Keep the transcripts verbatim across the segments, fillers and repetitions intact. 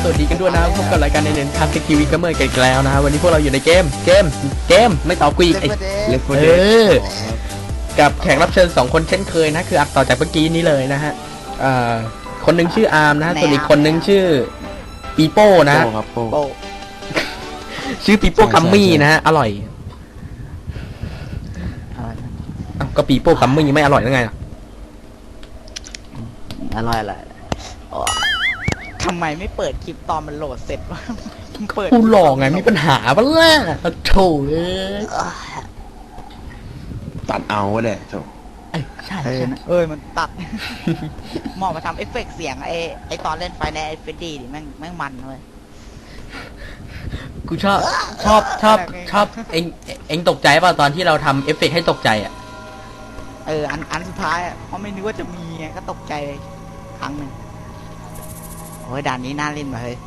สวัสดีกันด้วยนะพบกับรายการในเน้นคลาสสิกทีวีก็เมื่อกันอีกแล้วนะวันนี้พวกเราอยู่ในเกมเกมเกมไม่ตอบกูอีกไอ้เออกับแขกรับเชิญสองคนเช่นเคยนะคืออัดต่อจากเมื่อกี้นี้เลยนะฮะอ่าคนหนึ่งชื่ออาร์มนะส่วนอีกคนหนึ่งชื่อปีโป้นะชื่อปีโป้กัมมี่นะฮะอร่อยก็ปีโป้กัมมี่ไม่อร่อยได้ไงอร่อยอะไรทำไมไม่เปิดคลิปตอนมันโหลดเสร็จวะเปิดกูหลอกไงมีปัญหาบ้างล่ะโถ่เอ้ยตัดเอาแหละโถ่ใช่เอ้ยมันตัดหมอมาทำเอฟเฟกต์เสียงไอ้ไอ้ตอนเล่นไฟในไอ้เฟดดี้ดิแม่งแม่งมันเลยกูชอบชอบชอบชอบเอ็งเอ็งตกใจป่ะตอนที่เราทำเอฟเฟกต์ให้ตกใจอ่ะเอออันอันสุดท้ายอ่ะเพราะไม่นึกว่าจะมีไงก็ตกใจครั้งหนึ่งโอ้ยด่านนี้น่าเล่นมาเฮ้ย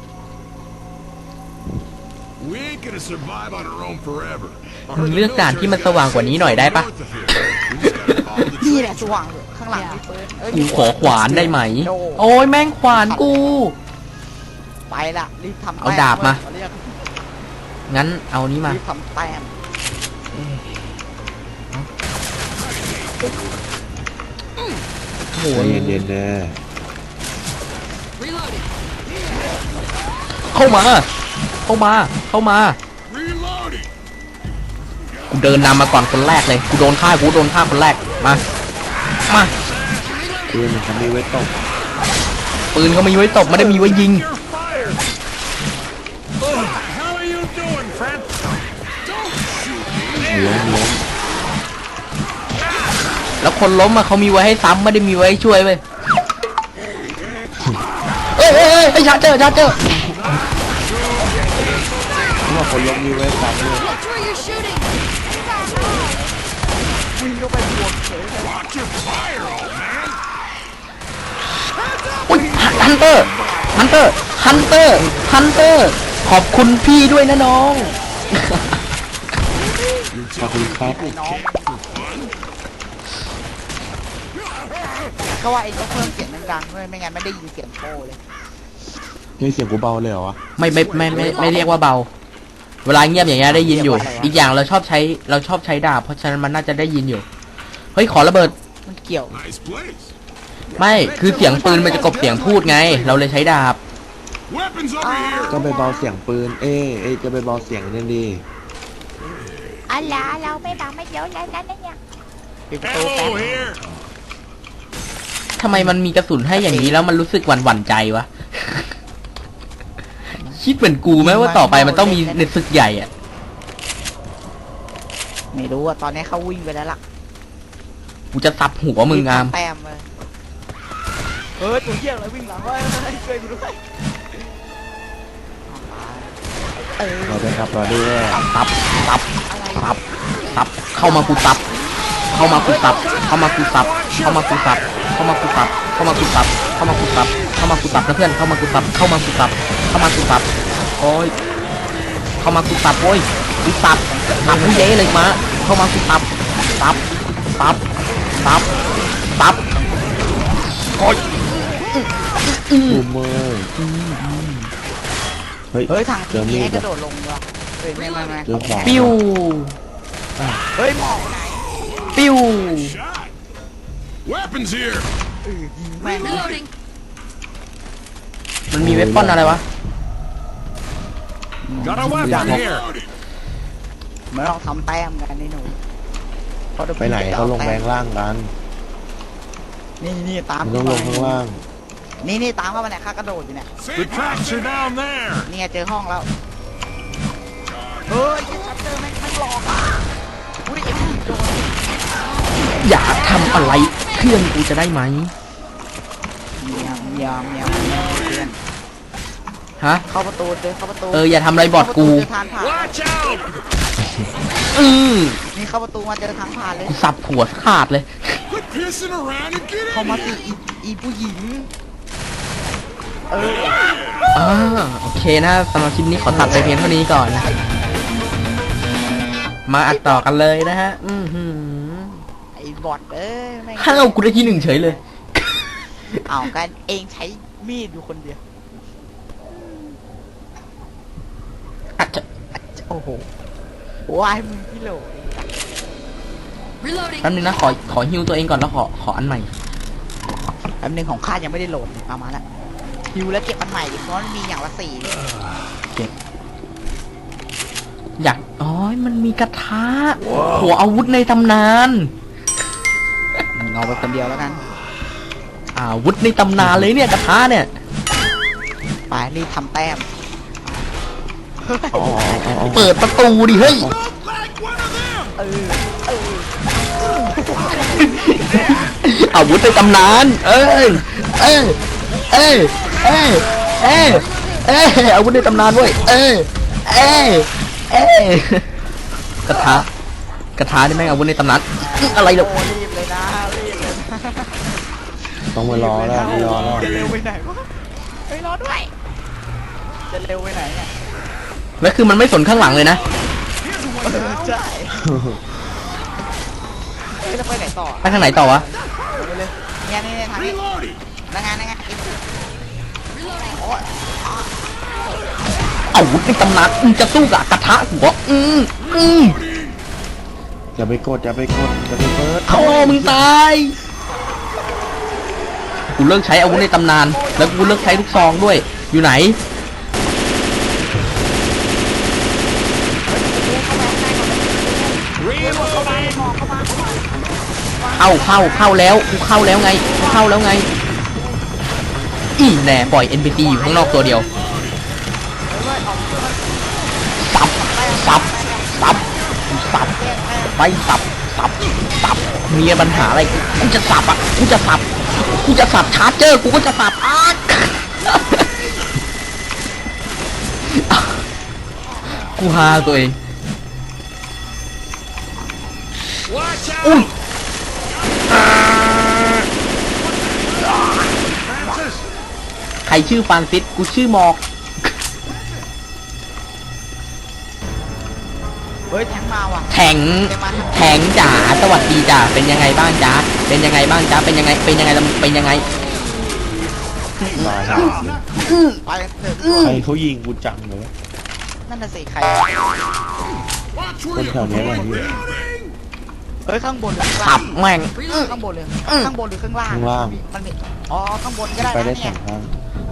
มึงเลือกด่านที่มันสว่างกว่านี้หน่อยได้ปะนี่แหละสว่างข้างหลังกูขอขวานได้ไหมโอ้ยแม่งขวานกูไปละรีบทำเอาดาบมางั้นเอานี้มารีบทำแต้มโอ้ยเย็นๆนะเข้ามาเข้ามาเข้ามากูเดินนำมาก่อนคนแรกเลยกูโดนฆ่ากูโดนฆ่าคนแรกมามาปืนมันมีไว้ตบปืนเขามีไว้ตบไม่ได้มีไว้ยิงล้มล้มแล้วคนล้มมาเขามีไว้ให้ซ้ำไม่ได้มีไว้ให้ช่วยเว้ยเอ้ยเอ้ยเอ้ยชาร์เจอร์ชาร์เจอร์ว่าคนล้มมีไว้ซ้ำเลยวิ่งเข้าไปบวกเฉยอุ้ยฮันเตอร์ฮันเตอร์ฮันเตอร์ฮันเตอร์ขอบคุณพี่ด้วยนะน้องขอบคุณครับก็ว่าไอ้ต้องเพิ่มเสียงดังๆด้วยไม่งั้นไม่ได้ยินเสียงโป้เลยนี่เสียงกูเบาเลยเหรอวะไม่ไม่ไม่ไม่ไม่เรียกว่าเบาเวลาเงียบอย่างเงี้ยได้ยินอยู่อีกอย่างเราชอบใช้เราชอบใช้ดาบเพราะฉะนั้นมันน่าจะได้ยินอยู่เฮ้ยขอระเบิดมันเกี่ยวไม่คือเสียงปืนมันจะกลบเสียงพูดไงเราเลยใช้ดาบก็ไปเบาเสียงปืนเอ๊ะเอ๊ะจะไปเบาเสียงนั่นดีอะไรเราไม่เบาไม่เยอะแล้วนั่นเนี่ยปิดประตูแป๊บทำไมมันมีกระสุนให้อย่างนี้แล้วมันรู้สึกหวั่นหวั่นใจวะคิดเหมือนกูไหมว่าต่อไปมันต้องมีในศึกใหญ่อ่ะไม่รู้อ่ะตอนนี้เขาวิ่งไปแล้วล่ะกูจะสับหัวมึงงามแต้มเลยเฮ้ยตัวเหี้ยอะไรวิ่งหลังวะช่วยกูด้วยเราไปครับเราด้วยตับตับตับตับเข้ามากูตับเข้ามากูตับเข้ามากูตับเข้ามากูตับเข้ามากูตับเข้ามากูตับเข้ามากูตับเข้ามากูตับนะเพื่อนเข้ามากูตับเข้ามากูตับเข้ามากูตับโอ้ยเข้ามากูตับโอ้ยกูตับตับกูเย้เลยมาเข้ามากูตับตับตับตับตับโอ้ยอืมเฮ้ยเฮ้ยทางนี้กระโดดลงว่ะเฮ้ยไม่ไม่ไม่ปิ้วเฮ้ยหมอกไหนปิ้วมันมีเวปอนอะไรวะไม่ต้องทำแต้มกันนี่หนูไปไหนเขาลงแรงล่างกันนี่นี่ตามต้องลงข้างล่างนี่นี่ตามเข้ามาเนี่ยข้ากระโดดอยู่เนี่ยนี่เจอห้องแล้วเฮ้ยชัดเจอแม่งมันหลอกอ่ะอุ้ยเอ็มโดนอยากทำอะไรเพื่อนกูจะได้ไหมยามยามยามเพื่อนฮะเข้าประตูเจอเข้าประตูเอออย่าทำอะไรบอดกูอือนี่เข้าประตูมาเจอทางผ่านเลยสับหัวขาดเลยเข้ามาสิอีผู้หญิงเอออ่าโอเคนะสำหรับคลิปนี้ขอตัดไปเพียงเท่านี้ก่อนนะมาอัดต่อกันเลยนะฮะอือหือไอ้บอดเอ้ยห้าวกูได้ที่หนึ่งเฉยเลยเอากันเองใช้มีดอยู่คนเดียวอ่ะจะโอ้โหว้ายมึงพี่โหลแป๊บนึงนะขอขอฮิวตัวเองก่อนแล้วขอขออันใหม่แป๊บนึงของข้ายังไม่ได้โหลดเอามาละฮิวแล้วเก็บอันใหม่ดิเพราะมันมีอย่างละสี่เก็บอยากอ๋อมันมีกระทะหัวอาวุธในตำนานมึงเอาไปคนเดียวแล้วกันอาวุธในตำนานเลยเนี่ยกระทะเนี่ยไปรีบทำแต้มอ๋ออ๋ออ๋อเปิดประตูดิเฮ้ยเออเอออาวุธในตำนาน เอ้ยเอ้ยเอ้ยเอ้ยเอ้ยเอ้ยอาวุธในตำนานเว้ยเอ้ยเอ้ยเอ้ยกระทะกระทะนี่แม่งอาวุธในตำนานอะไรเดี๋ยวโอ้รีบเลยนะรีบเลยนะต้องมารอแล้วไม่รอแล้วจะเร็วไปไหนวะไปรอด้วยจะเร็วไปไหนเนี่ยแล้วคือมันไม่สนข้างหลังเลยนะเออใช่เฮ้ยจะไปไหนต่อไปทางไหนต่อวะไปเลยเนี่ยนี่ทางนี้นั่งไงนั่งไงโอ้ยอาวุธในตำนานมึงจะสู้กับกระทะหัวอืมอืมอย่าไปกดอย่าไปกดอย่าไปเปิดโอ้มึงตาย กูเลิกใช้อาวุธในตำนาน แล้วกูเลิกใช้ลูกซองด้วย อยู่ไหน เข้าเข้าเข้าแล้ว กูเข้าแล้วไง กูเข้าแล้วไง อีแน่ปล่อย เอ็น พี ซี อยู่ข้างนอกตัวเดียว สับ สับ สับ สับ ไปสับ สับ สับ มีปัญหาอะไร กูจะสับอ่ะ กูจะสับ กูจะสับชาร์เจอร์ กูก็จะสับอ้ากูฮาตัวเอง อุ้ย ใครชื่อฟรานซิส กูชื่อมอกเฮ้ยแทงมาว่ะแทงแทงจ๋าสวัสดีจ๋าเป็นยังไงบ้างจ๋าเป็นยังไงบ้างจ๋าเป็นยังไงเป็นยังไงเป็นยังไงมาหาไปเถอะใครเขายิงกูจังเลยวะนั่นน่ะสิใครคนแถวนี้แหละพี่เฮ้ยข้างบนหรือข้างขัล่างบแม่งข้างบนหรือข้างบนหรือข้างล่างข้างล่างมันมีอ๋อข้างบนก็ได้ไปนะได้สเนี่อย งทาง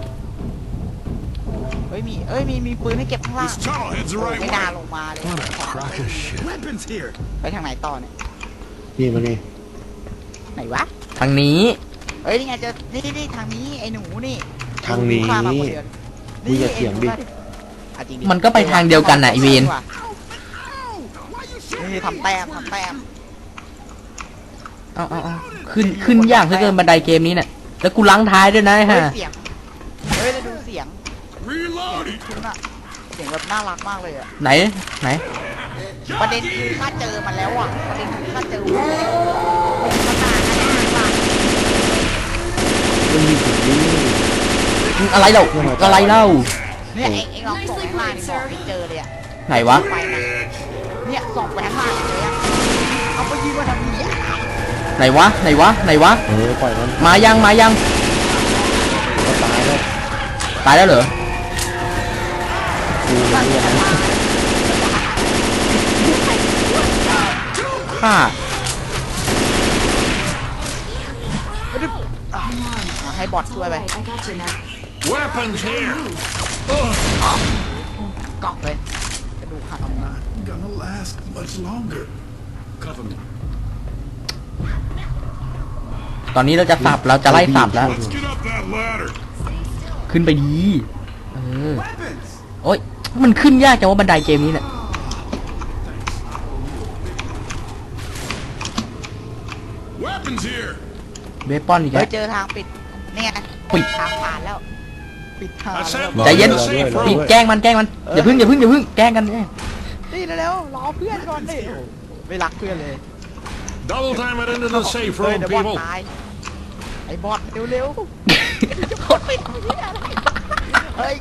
เฮ้ยมีเอ้ยมีมีปืนให้เก็บข้างล่าง This tunnel heads the โอ้ right ไม่ way. น่าลงมาเลย What a crock of shit. Weapons here. ไปทางไหนต่อเนี่ยนี่มานี่ไหนวะทางนี้เฮ้ยนี่ไงเจอนี่นี่นี่ทางนี้ไอ้หนูนี่ทางนี้ดูข้มมาคนเดียวมึงอย่าเถียงดิอ่ะจริงมันก็ไปทางเดียวกันน่ะไอ้เวนนี่ทำแต้มทำแต้มเอาเอาเอาขึ้นขึ้นยากเหลือเกินบันไดเกมนี้เนี่ยแล้วกูล้างท้ายด้วยนะไอ้เฮ้ยฮะเสียงเฮ้ยแล้วดูเสียง Reloading. คุณอะเสียงแบบน่ารักมากเลยอะไหนไหนประเด็นคือข้าเจอมันแล้วอะประเด็นคือข้าเจอมันแล้วมันนานนะมันยิงถึงนี่อะไรเล่าอะไรเล่าเนี่ยเอ็งเอ็งลองส่องไปข้างล่างดิบอกไม่เจอเลยอะไหนวะไปนะเนี่ยส่องไปข้างล่างเลยอะเอาไปยิงมาทำนี้อะไหนวะไหนวะไหนวะเออปล่อยมันมายังมายังก็ตายแล้วตายแล้วเหรอกูเนี่ยนะฆ่าอ่ะให้บอทช่วยไป Weapons here. กอกเลยกระดูกหักออกมา Gonna last much longer. Cover me. ตอนนี้เราจะสับเราจะไล่สับแล้ว Let's get up that ladder. ขึ้นไปดีเออ Weapons. โอ๊ยมันขึ้นยากจังว่าบันไดเกมนี้เนี่ย Weapons here. เบปอนอีกเฮ้แล้ยว เจอทางปิดเนี่ยปิดทางผ่านแล้ว ปิดทาง I แล้ว said ใจเย็น lock the safe ปิด room. แกล้งมันแกล้งมันอย่าพึ่งอย่าพึ่งอย่าพึ่งแกล้งกันเนี่ยนี่เร็วๆรอเพื่อนก่อนดิโอ้โหไม่รักเพื่อนเลย Double time it into the safe เฮ้ย room, เดี๋ยวบอท people. ตายไอ้บอทเร็วๆจะบอทไปทำที่อะไรเฮ้ย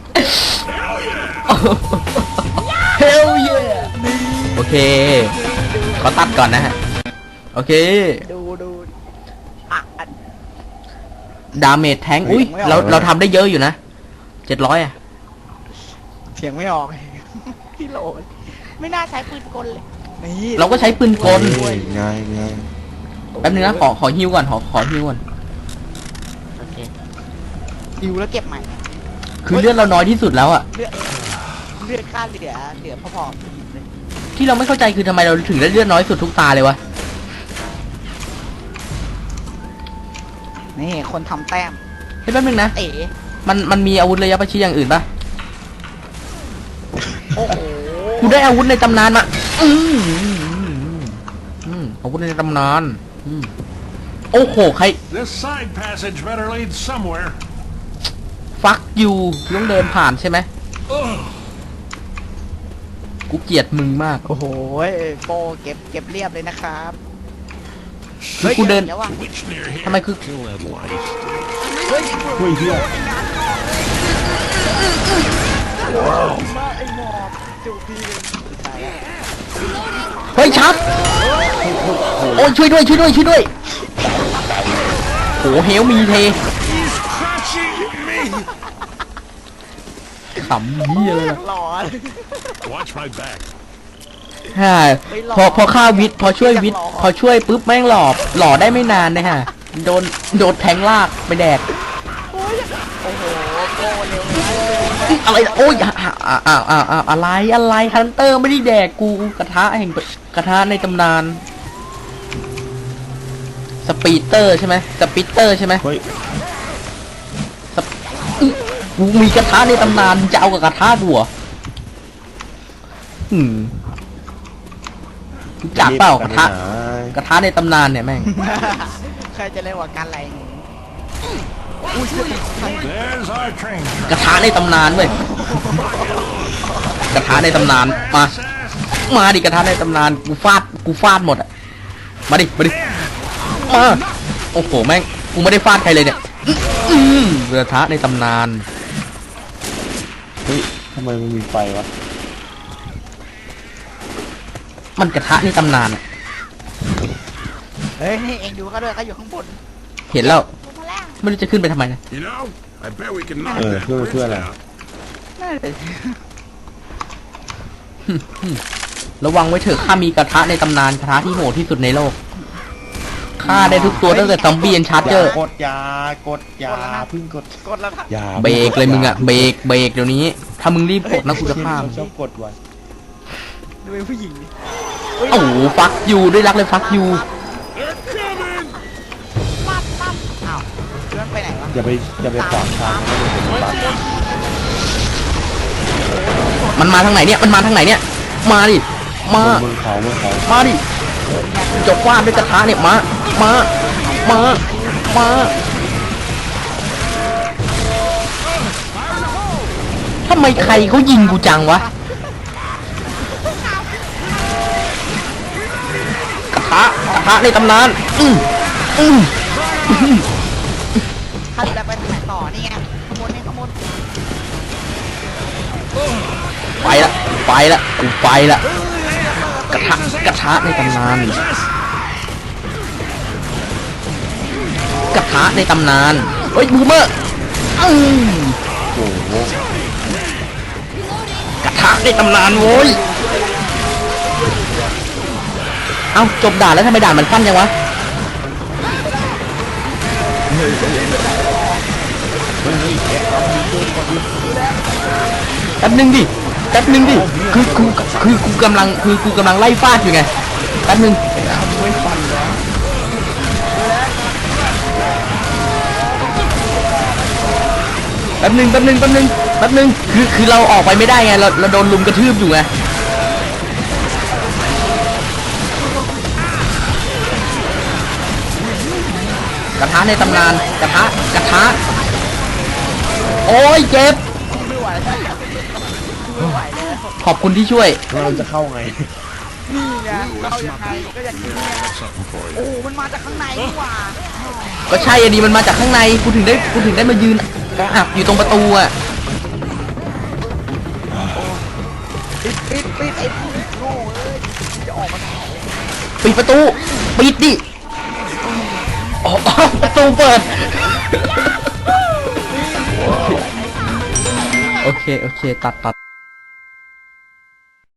เฮลเยโอเคขอตัดก่อนนะฮะโอเคดูดูอ่ะอ่ะดาเมจแทงอุ้ยเราเราทำได้เยอะอยู่นะเจ็ดร้อยอะเสียงไม่ออกที่โหลดไม่น่าใช้ปืนกลเลยนี่เราก็ใช้ปืนกลเอ้ยไงไงแป๊บนึงนะขอขอฮิวก่อนขอขอฮิวก่อนโอเคดิวแล้วเก็บใหม่คือเลือดเราน้อยที่สุดแล้วอะเลือดเลือดค่าเหลือเหลือพอๆเลยที่เราไม่เข้าใจคือทำไมเราถึงได้เลือดน้อยสุดทุกตาเลยวะนี่คนทำแต้มเฮ้ยแป๊บนึงนะเอ๋มันมันมีอาวุธระยะประชิดอย่างอื่นปะโอ้โหกูได้อาวุธในตำนานมา อืมอืมอาวุธในตำนานอืมโอ้โหใคร This side passage better lead somewhere. ฟักยูต้องเดินผ่านใช่ไหม Ugh. กูเกลียดมึงมากโอ้โหโปเก็บเก็บเรียบเลยนะครับคือกูเดินดี๋ยวว่ะ Witch near here. ทำไมคือ Kill that light. เฮ้ยเฮ้ยเฮียมาไอ้หมอบจูบพี่เลยตายแล้วเฮ้ยชับโอ้ยช่วยด้วยช่วยด้วยช่วยด้วยโหเฮลมีเท He's crushing me. ขำเหี้ยเลยล่ะหลอน Watch my back. ฮ่าพอพอฆ่าวิทย์พอช่วยวิทย์พอช่วยปุ๊บแม่งหลอบหล่อได้ไม่นานนะฮะโดนโดนแทงลากไปแดกโอ้โหโปเร็วเลยอะไรโอ้ยอ้าวอ้าวอ้าวอ้าวอะไรอะไรฮันเตอร์ไม่ได้แดกกูกระทะแห่งกระทะในตำนานสปีดเตอร์ใช่ไหมสปีดเตอร์ใช่ไหมเฮ้ยสปอื้อกูมีกระทะในตำนานจะเอากับกระทะกูเหรออืมรู้จักเปล่ากระทะกระทะในตำนานเนี่ยแม่งใครจะเล่นว่าการอะไร There's our train. กระทะในตำนานเว้ยกระทะในตำนานมา มาดิกระทะในตำนานกูฟาดกูฟาดหมดอ่ะมาดิมาดิมาโอ้โหแม่งกูไม่ได้ฟาดใครเลยเนี่ยอื้ออื้อกระทะในตำนานเฮ้ยทำไมมันมีไฟวะมันกระทะในตำนานอะเฮ้ยนี่เองดูเขาด้วยเขาอยู่ข้างบนเห็นแล้วลงมาแล้วไม่รู้จะขึ้นไปทำไมนะ You know, I bet we can knock เออ that เพื่อ bridge เพื่ออะไร down. นั่นเลยระวังไว้เถอะข้ามีกระทะในตำนานกระทะที่โหดที่สุดในโลกฆ่าได้ทุกตัวตั้งแต่ซอมบี้ยันชาร์เจอร์กดยากดยาพึ่งกดกดแล้วครับยาเบรกเลยมึงอะเบรกเบรกเดี๋ยวนี้ ถ้ามึงรีบกดนะกูจะฆ่ามึงชอบกดไว้ดูเป็นผู้หญิงดิโอ้โหฟักยูด้วยรักเลยฟักยู They're coming. ปั๊บปั๊บอ้าวเลื่อนไปไหนวะอย่าไปอย่าไปขวางทางนะเดี๋ยวผมตัดมันมาทางไหนเนี่ยมันมาทางไหนเนี่ย มาดิมาบนเขาบนเขามาดิจบฟาดด้วยกระทะเนี่ยมา มา มา มาทำไมใครเขายิงกูจังวะ กระทะกระทะในตำนาน อืมอืมอืมถ้าจะไปทางไหนต่อนี่ไงขโมยนี่ขโมยไปละไปละกูไปละกระทะกระทะในตำนาน กระทะในตำนานเฮ้ยบูมเมอร์อืมโอ้โหกระทะในตำนานโว้ยเอ้าจบด่านแล้วทำไมด่านมันสั้นจังวะแป๊บนึงดิแป๊บนึงดิคือกูคือกูกำลังคือกูกำลังไล่ฟาดอยู่ไงแป๊บนึงแป๊บนึงแป๊บนึงแป๊บนึงแป๊บนึงคือคือเราออกไปไม่ได้ไงเราเราโดนลุมกระทืบอยู่ไงกระทะในตำนานกระทะกระทะโอ้ยเจ็บไม่ไหวแล้วไม่ไหวแล้วขอบคุณที่ช่วยเราจะเข้าไงนี่ไงเรายังไงก็อย่างนี้ไง Something for you. โอ้มันมาจากข้างในนี่หว่าก็ใช่อันนี้มันมาจากข้างในกูถึงได้กูถึงได้มายืนกระอักอยู่ตรงประตูอ่ะปิดปิดปิดไอ้พวกโง่เอ้ยจะออกมาทางไหนปิดประตูปิดดิอ๋อประตูเปิดโอเคโอเคตัดตัด